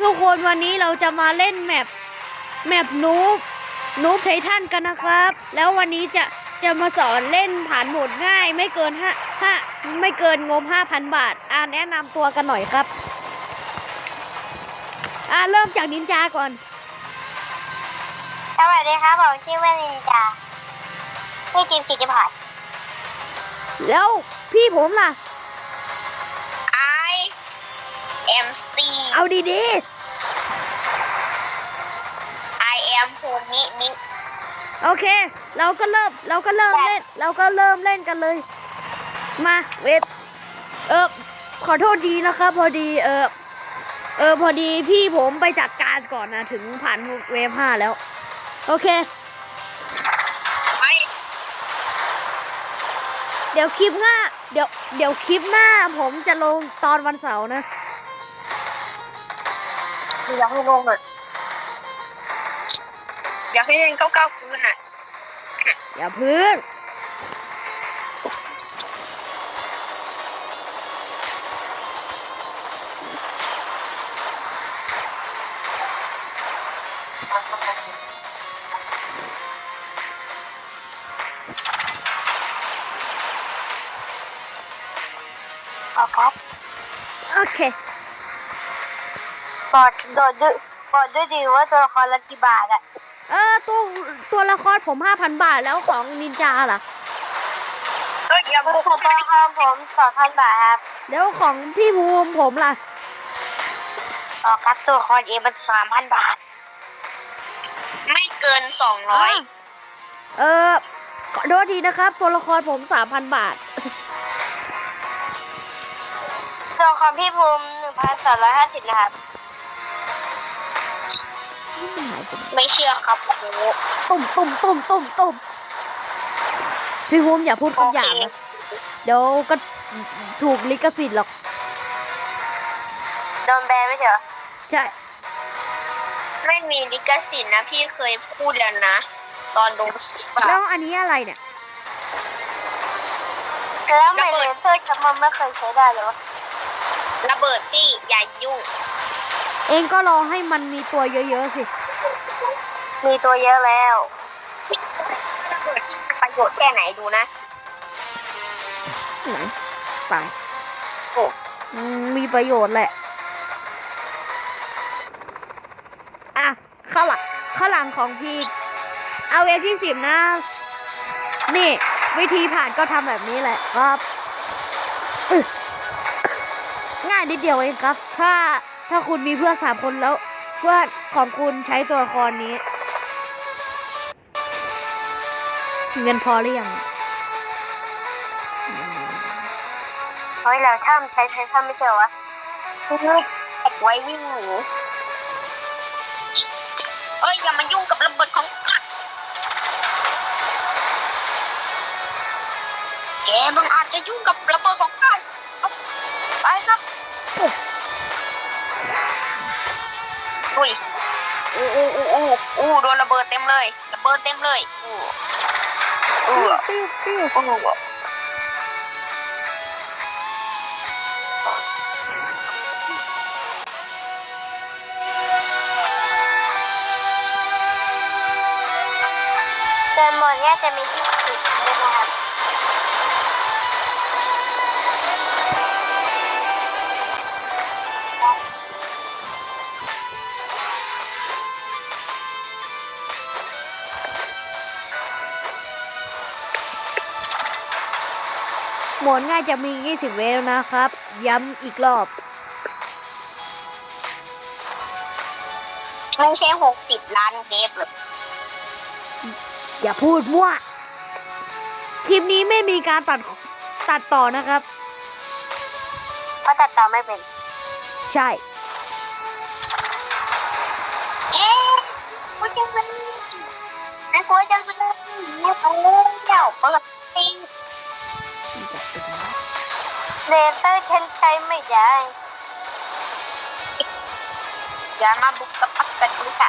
ทุกคนวันนี้เราจะมาเล่นแมปนูบไททันกันนะครับแล้ววันนี้จะมาสอนเล่นผ่านโหมดง่ายไม่เกินไม่เกินงบ 5,000 บาทแนะนำตัวกันหน่อยครับเริ่มจากนินจาก่อนสวัสดีครับผมชื่อว่านินจาพี่จิมสิทธิพัฒน์แล้วพี่ผมล่ะ IMC เอาดี I am ภูมิโอเคเราก็เริ่มเล่นกันเลยมาเวทขอโทษดีนะครับพอดีพี่ผมไปจัดการก่อนนะถึงผ่านเวฟ 5แล้วโอเคเดี๋ยวคลิปหน้าผมจะลงตอนวันเสาร์นะอยากให้ลงหน่อยอยากให้เล่น99 คืนน่ะอย่าพึ่งครับโอเคบอกด้วยดีว่าตัวละครละกี่บาทอะตัวละครผม 5,000 บาทแล้วของนินจาล่ะอย่าบุกตัวละครผม 2,000 บาทครับแล้วของพี่ภูมิผมล่ะครับตัวละครมัน 3,000 บาทไม่เกิน200 ขอโทษทีนะครับตัวละครผม 3,000 บาทตัวละครพี่ภูมิ 1,250 นะครับไม่เชื่อครับตุ่มพี่ภูมิอย่าพูดคำหยาบนะเดี๋ยวก็ถูกลิขสิทธิ์หรอกโดนแบนไม่ใช่เหรอใช่ไม่มีลิขสิทธิ์นะพี่เคยพูดแล้วนะตอนดูคลิปแล้วอันนี้อะไรเนี่ยแล้วไม่เลเซอร์ชักมันไม่เคยใช้ได้เลยวะระเบิดที่อย่ายุ่งเองก็รอให้มันมีตัวเยอะๆสิมีตัวเยอะแล้วประโยชน์แค่ไหนดูนะไหนไปมีประโยชน์แหละข้างหลังของพี่เอาเวที่10นะนี่วิธีผ่านก็ทำแบบนี้แหละครับง่ายนิดเดียวเองครับถ้าคุณมีเพื่อน3 คนแล้วเพื่อนของคุณใช้ตัวละครนี้เงินพอหรือยังเฮ้ยแล้วช่ำใช้ช่ำไม่เจอวะไว้วิ่งหนีอย่ามายุ่งกับระเบิดของแกมึงอาจจะยุ่งกับระเบิดของข้าไปครับอุ้ยโดนระเบิดเต็มเลยปิ้วแต่หมดเนี่ยจะมี20นะครับหมดง่ายจะมี20 เวฟนะครับย้ำอีกรอบไม่ใช่60 ล้านเวฟหรอกอย่าพูดมั่วคลิปนี้ไม่มีการตัดต่อนะครับเพราะตัดต่อไม่เป็นใช่กูจะเป็นกูจะเป็นเจ้าเปิดซิงเลเตอร์ฉันใช้ไม่ได้อย่ามาบุกกับปักกันดูค่ะ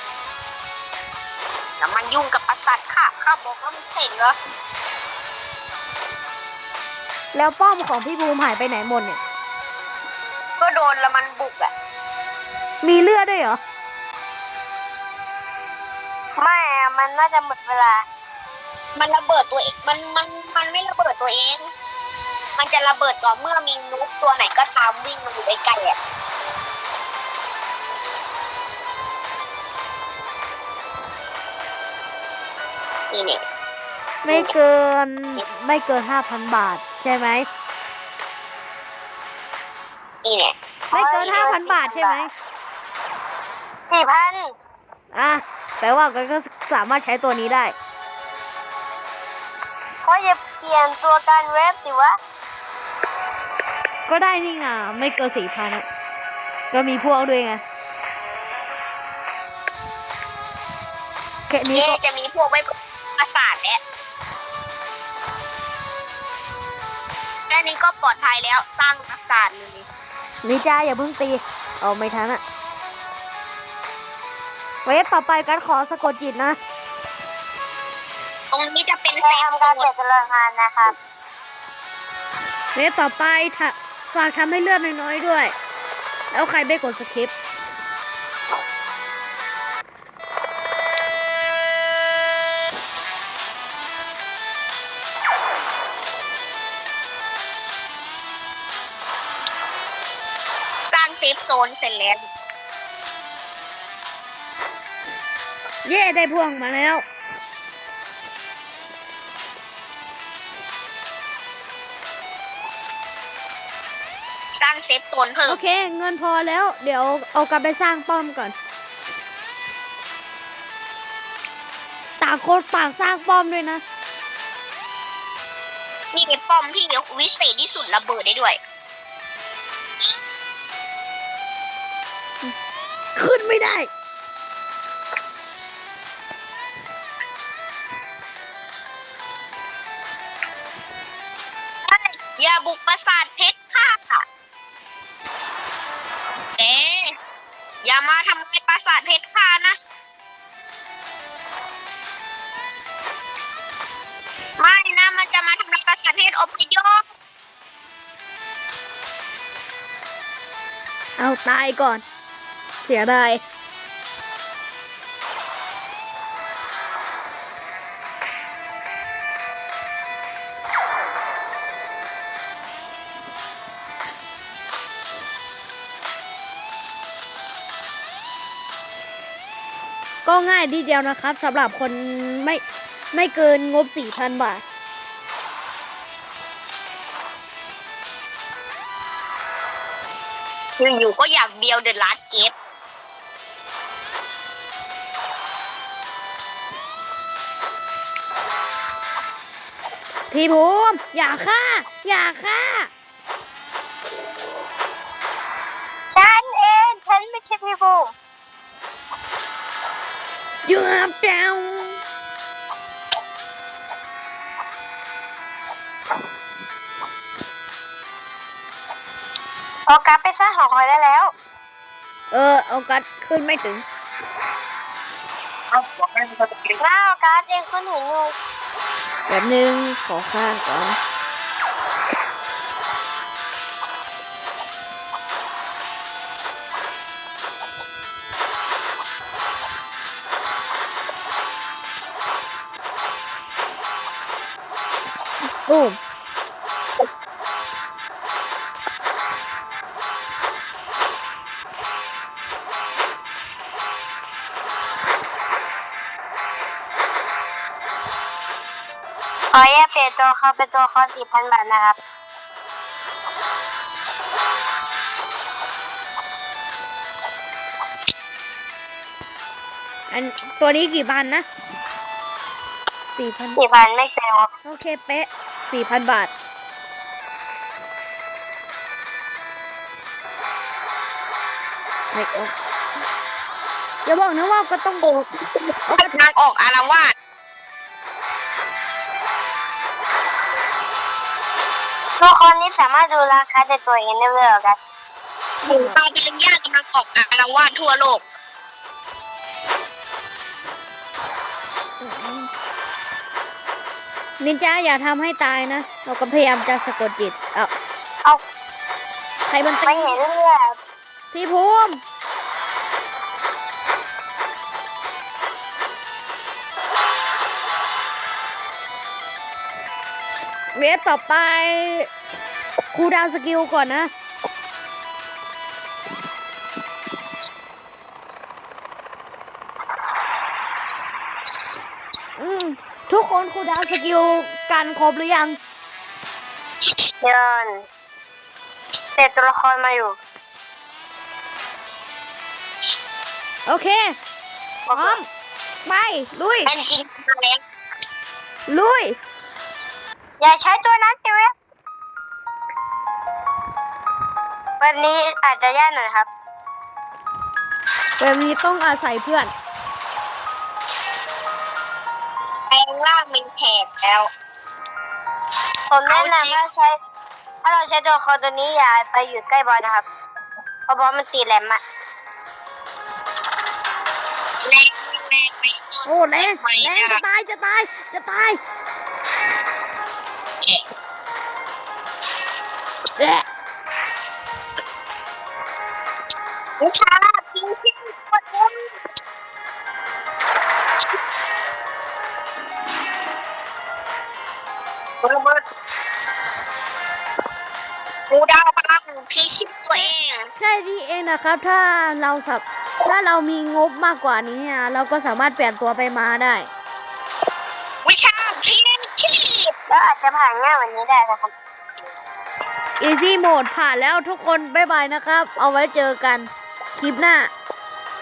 อย่ามายุ่งกับประสาทข้าบอกแล้วไม่ใช่เหรอแล้วป้อมของพี่บูมหายไปไหนหมดเนี่ยก็โดนแล้วมันบุกอ่ะมีเลือดด้วยเหรอไม่อะมันน่าจะหมดเวลา มันระเบิดตัวเองมันไม่ระเบิดตัวเอง มันจะระเบิดต่อเมื่อมีนูบตัวไหนก็ตามวิ่งมาอยู่ใกล้ๆอ่ะนี่เนี่ยไม่เกิน 5,000 บาท ใช่ไหมนี่เนี่ยไม่เกิน 5,000 บาทใช่ไหม 4,000 อ่ะแปลว่าก็สามารถใช้ตัวนี้ได้เขาจะเปลี่ยนตัวการเว็บสิวะก็ได้นี่ไงไม่เกิน 4,000อะก็มีพวกด้วยไงแค่นี้นี่ก็จะมีพวกไว้ประสาทแล้วแค่นี้ก็ปลอดภัยแล้วสร้างประสาทเลยนี่จ้าอย่าเพิ่งตี เอาไม่ทันอะเวฟต่อไปกันขอสะกดจิตนะตรงนี้จะเป็นเซฟการเปลี่ยนจรวดงานนะครับเวฟต่อไปฝากทำให้เลือดน้อยๆด้วย แล้วใครไม่กดสคริปต์สร้างเซฟโซนเสร็จแล้วเย่ได้พวงมาแล้วสร้างเซฟโซนเพิ่โอมเค เงินพอแล้ว เดี๋ยวเอากลับไปสร้างป้อมก่อน ต่างคนต่างสร้างป้อมด้วยนะนี่เป็นป้อมที่วิเศษที่สุดระเบิดได้ด้วยขึ้นไม่ได้อย่าบุกปราสาทเพชรค่ะอย่ามาทำลายปราสาทเพชรค่ะนะ ไม่นะมันจะมาทำลายปราสาทเพชรอพยพเอาตายก่อน เสียดาย ก็ง่ายทีเดียวนะครับสำหรับคนไม่เกินงบ 4,000 บาทอยู่ๆก็อยากเบียวเดอะลาสเกฟพี่ภูมิอย่าฆ่า อย่าฆ่าฉันเองฉันไม่ใช่พี่บูมเยือบเดาเอากลับไปสร้างหอคอยได้แล้วเอากัดขึ้นไม่ถึงหน้าเอาการ์ดเองคุณเห็นอยู่แบบนึงขอข้างก่อน ตูมขอแยกเปลี่ยนตัวเขาเป็นตัวคอ4,000 บาทนะครับอันตัวนี้กี่พันนะ 4,000 4,000ไม่เกินครับโอเคเป๊ะ 4,000 บาท ไม่ออกอย่าบอกนะว่าก็ต้องกำลังออกอารวาสตัวคนนี้สามารถดูราคาในตัวเองได้เลยเหรอครับหมูตาเป็นญาติกำลังออกอารวาสทั่วโลกอนินจาอย่าทำให้ตายนะ เราก็พยายามจะสะกดจิต เอาเอาใครมันตีไม่เห็นเลือดพี่ภูมิเวฟต่อไปครูลดาวน์สกิลก่อนนะ ทุกคนครูลดาวน์สกิลกันครบหรือยังเดินเสร็จตัวละครมาอยู่โอเค พร้อม ไป ลุยเป็นจริงมาแล้วลุยอย่าใช้ตัวนั้นสิเว้ยวันนี้อาจจะยากหน่อยครับแบบนี้ต้องอาศัยเพื่อนแปลงร่างเป็นแขกแล้ว ผมแนะนำถ้าเราใช้ตัวละครตัวนี้อย่าไปอยู่ใกล้บอลนะครับ เพราะบอลมันตีแหลมอะแรงไปโอ้แรงจะตาย จะตาย จะตายแอะวิชาพิงพิงกดมุนเบิดกูดาวพลังพิชิตตัวเองแค่นี้เองนะครับ ถ้าเรามีงบมากกว่านี้เนี่ยเราก็สามารถเปลี่ยนตัวไปมาได้วิชาพิชิตแล้วอาจจะผ่านง่ายกวันนี้ได้นะครับ Easy Mode ผ่านแล้วทุกคน บ๊ายบายนะครับ เอาไว้เจอกันคลิปหน้า